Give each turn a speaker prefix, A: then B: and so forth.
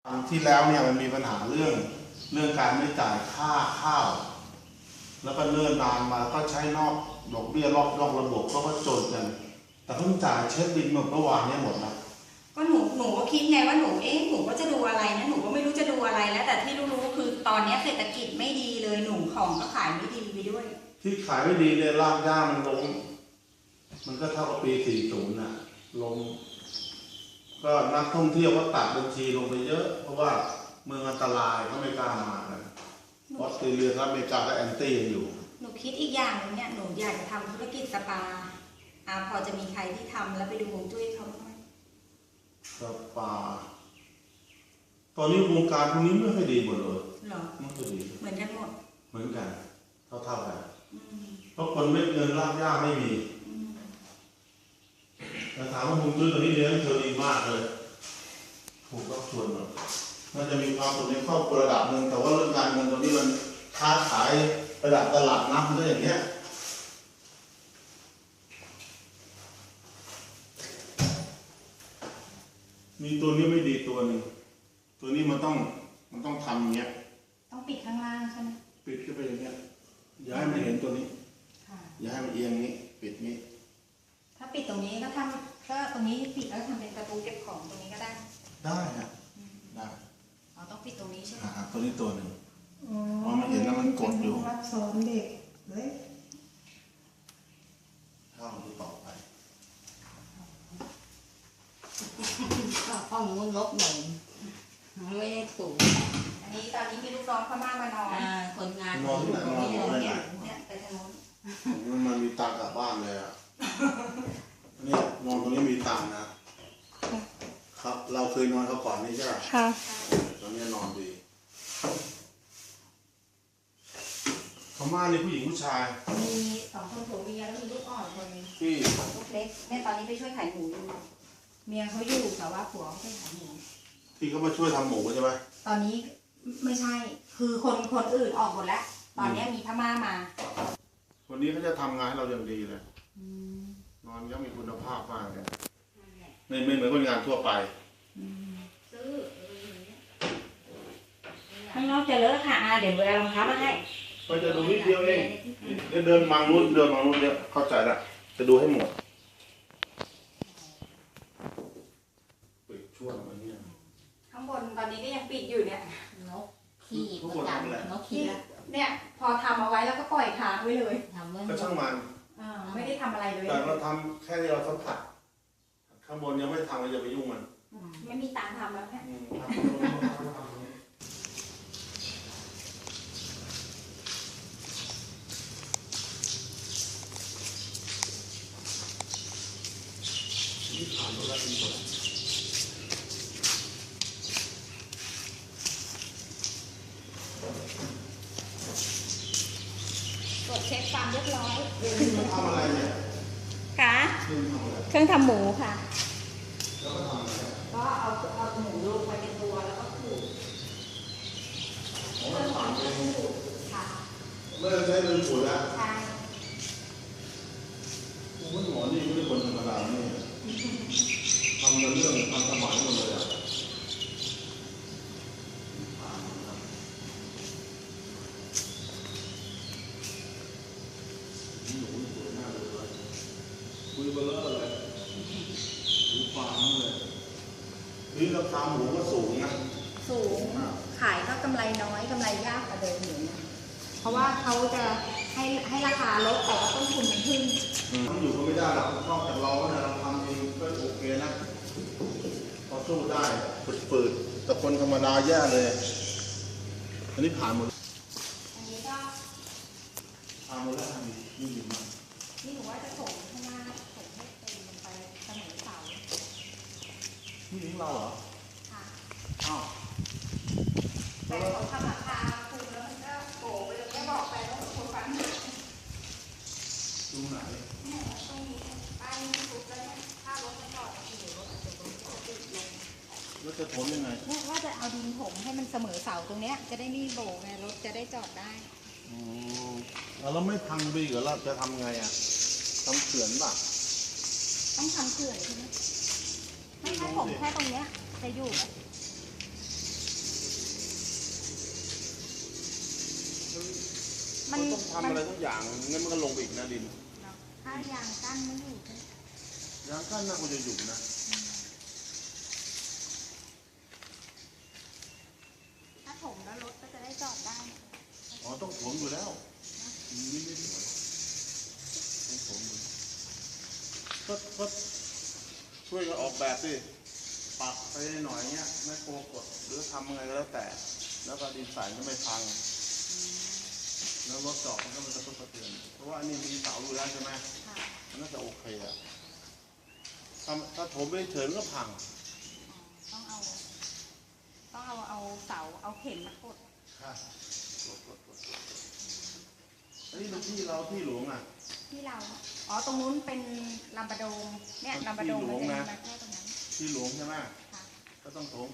A: ครั้งที่แล้วเนี่ยมันมีปัญหาเรื่องการไม่จ่ายค่าข้าวแล้วก็เลื่อนนานมาก็ใช้นอกดอกเบี้ยนอกระบบก็จนกันแต่เพิ่งจ่ายเช็คบินเมื่อวานเนี่ยหมดแล้ว
B: ก็หนูก็คิดไงว่าหนูก็จะดูอะไรนะหนูก็ไม่รู้จะดูอะไรแล้วแต่ที่รู้คือตอนนี้เศรษฐกิจไม่ดีเลยหนูของก็ขายไม่ดีไปด้วย
A: ที่ขายไม่ดีเนี่ยรากหญ้ามันลงมันก็เท่ากับปี40น่ะลงก็นักท่องเที่ยวก็ตัดบัญชีลงไปเยอะเพราะว่าเมืองอันตรายเขาไม่กล้ามากันออสเตรเลียและอเมริกาก็แอนตี้อยู่
B: หนูคิดอีกอย่างนึงเนี่ยหนูอยากจะทำธุรกิจสปาพอจะมีใครที่ทำแล้วไปดูฮวงจุ้ยเขาไหม
A: สปาตอนนี้วงการพวกนี้ไม่ค่อยดีหมดเลย
B: หรอ
A: ไม่ค่อยดี
B: เหมือนกันหมด
A: เหมือนกันเท่ากันเพราะคนไม่เงินรากหญ้าไม่มีแต่ถามว่าฮวงจุ้ยตัวนี้เลี้ยงเธอดีมากเลยถูกรับชวนเลยมันจะมีความสุขในครอบครัวระดับหนึ่งแต่ว่าเรื่องการเงินตรงนี้มันค้าขายระดับตลาดนัดด้วยอย่างเงี้ยมีตัวนี้ไม่ดีตัวหนึ่งตัวนี้มันต้องทำอย่างเงี้ย
B: ต้องปิดข้างล่างใช่ไหม
A: ปิดขึ้นไปอย่างเงี้ยอย่าให้มันเห็นตัวนี้อย่าให้มันเอียงนี้ปิดนี้
B: ถ้าปิดตรงนี้ก็ตรงนี้ปิดแล้วทำเป็นประตูเก็บของตรงนี้ก็ได้
A: ได้ครับได้
B: ต้องปิดตรงนี้ใช่ไหม
A: ตัวนี้ตัวหนึ่งเพราะมันเห็นแล้วมันกดอยู่
C: รับสอนเด็กเลย
A: เข้าดูต่อไป
C: ห้องนู้นลบหนึ่งไม่ได้ถูก
B: อันนี้ตอนนี้มีลูกน้องพม่ามานอน
C: คนงาน
A: นอนที่ไหนนอนที่ไหน
B: เนี่ยไปทางโน้น
A: มันมีตังกลับบ้านเลยอ่ะนี่นอนตรงนี้มีตังนะครับเราเคยนอนเขาก่อนนี่ใช่ไหม
C: ค่ะ
A: ตอนนี้นอนดีพม่านี่ผู้หญิงผู้ชาย
B: มี2 คนผัวเมียแล้วมีลูกอ่อนคนนึง
A: ที่
B: ลูกเล็กแม่ตอนนี้ไปช่วยขายหมูอยู่เมียเขาอยู่แต่ว่าผัวเขาไปขายหมู
A: ที่เขามาช่วยทำหมูใช่ไหม
B: ตอนนี้ไม่ใช่คือคนอื่นออกหมดแล้วตอนนี้มีพม่ามา
A: วันนี้เขาจะทำงานให้เราอย่างดีเลยนอนก็มีคุณภาพมากเลยไม่เหมือนคนงานทั่วไป
B: ข้างนอกจะเลอะค่ะเดี๋ยวเอารองเท้ามาให้
A: ก็จะดูนิดเดียวเองเดินมังนู้นเยอะเข้าใจละจะดูให้หมดปิดช่วงอะไรเนี่ย
B: ข้างบนตอนนี้ก็ยังปิดอยู่เนี่ย
C: นกขี้ประจำนกขี้
B: เนี่ยพอทำเอาไว้แล้วก็ปล่อยค้างไว้เลย
A: ก็ช่างมัน
B: ไม่ได้ทำอะไรเลย
A: แต่เราทำแค่ที่เราสัมผัสข้างบนยังไม่ทำเราอย่าไปยุ่งมัน
B: ไม่มีตังค์ทำแล้วแค่ตรวจเช็คความเรียบร้อย
A: ทำอะไรเนี่ย
B: ค่ะเครื่องทำหมูค่ะ
A: แล้วก็ทำอะไร
B: ก็เอาหมูลงไปเป็นตัวแล้วก็ขูด
A: เรื่องของเรื่องขูด
B: ค่ะ
A: เมื่อใช้เรื่องขูดแล้ว
B: ใช่
A: คุณหมอนี่ไม่ใช่คนธรรมดาเนี่ยทำเรื่องทำสมัยหมดเลยอ่ะคุยเบลอเลยดูฟางเลยนี่ราคาหมูก็สูงนะ
B: สูงขายก็กำไรน้อยกำไรยากกว่าเดิมอยู่นะเพราะว่าเขาจะให้ราคาลดแต่ว่าต้นทุนมันขึ้น
A: มันอยู่ก็ไม่ได้หรอกนอกจากเราเนี่ยเราทำเองก็โอเคนะพอสู้ได้ฝืดแต่คนธรรมดาแย่เลยอันนี้ผ่านหมด
B: อันนี้ก็
A: ผ่านหมดแล้วนี่ดีมาก
B: นี่หนูว่าจะส่งข้างหน้าส่งให้เต็มไปเสมอเสา
A: นี่ลิงเราเหรอ
B: ค่ะ
A: อ้าว
B: แต่ของทำราคาคูแล้วมันก็โผล่ไปเลยไม่บอกไปว่าคนฟัง
A: ตรงไหน
B: เนี่ยตรงนี้ป้ายนี้ทุบแล้วเนี่ยถ้ารถไม่จอดอยู่รถอาจจะโดนติดลง
A: รถจะทนยังไง
B: เนี่ยว่าจะเอาดินถมให้มันเสมอเสาตรงเนี้ยจะได้ไม่โบกไงรถจะได้จอดได้
A: เราไม่พังไปเหรอเราจะทำไงอ่ะทำเขื่อนป่ะ
B: ต้องทำเขื่อนใช่ไหมไม่ใช่ผมแค่ตรงเนี้ยจะอยู่ไหมมัน
A: ต้องทำอะไรทุกอย่างงั้นมันก็ลงไปอีกนะดิน
B: ถ้ายางกั้นไม่อยู่
A: ยางกั้นน่าควรจะอยู่นะ
B: ถ้าถมแล้วรถก็จะได้จอดได้
A: อ๋อต้องถมอยู่แล้วนี่ไม่สวยต้องถมอยู่ก็ช่วยกันออกแบบสิปรับไปหน่อยเงี้ยแม่โคกดหรือทำยังไงก็แล้วแต่ แล้วก็ดินใส่ก็ไม่พังแล้วรถจอดมันก็มันกระทบกระเทือนเพราะว่าอันนี้มีเสาอยู่แล้วใช่ไหม
B: ค่ะ
A: มันน่าจะโอเคอะถ้าถมไม่เฉยมันก็พัง
B: ต้องเอาเสาเอาเข็มมากด
A: ค่ะอันนี้เป็นที่เราที่หลวงอ่ะ
B: ที่เราอ๋อตรงนู้นเป็นลำบะโดงเนี่ยลำบะโดงมันจะมีมาแค่ตรงนั้น
A: ที่หลวงใช่ไหม
B: ค่ะ
A: ก็ต้องถม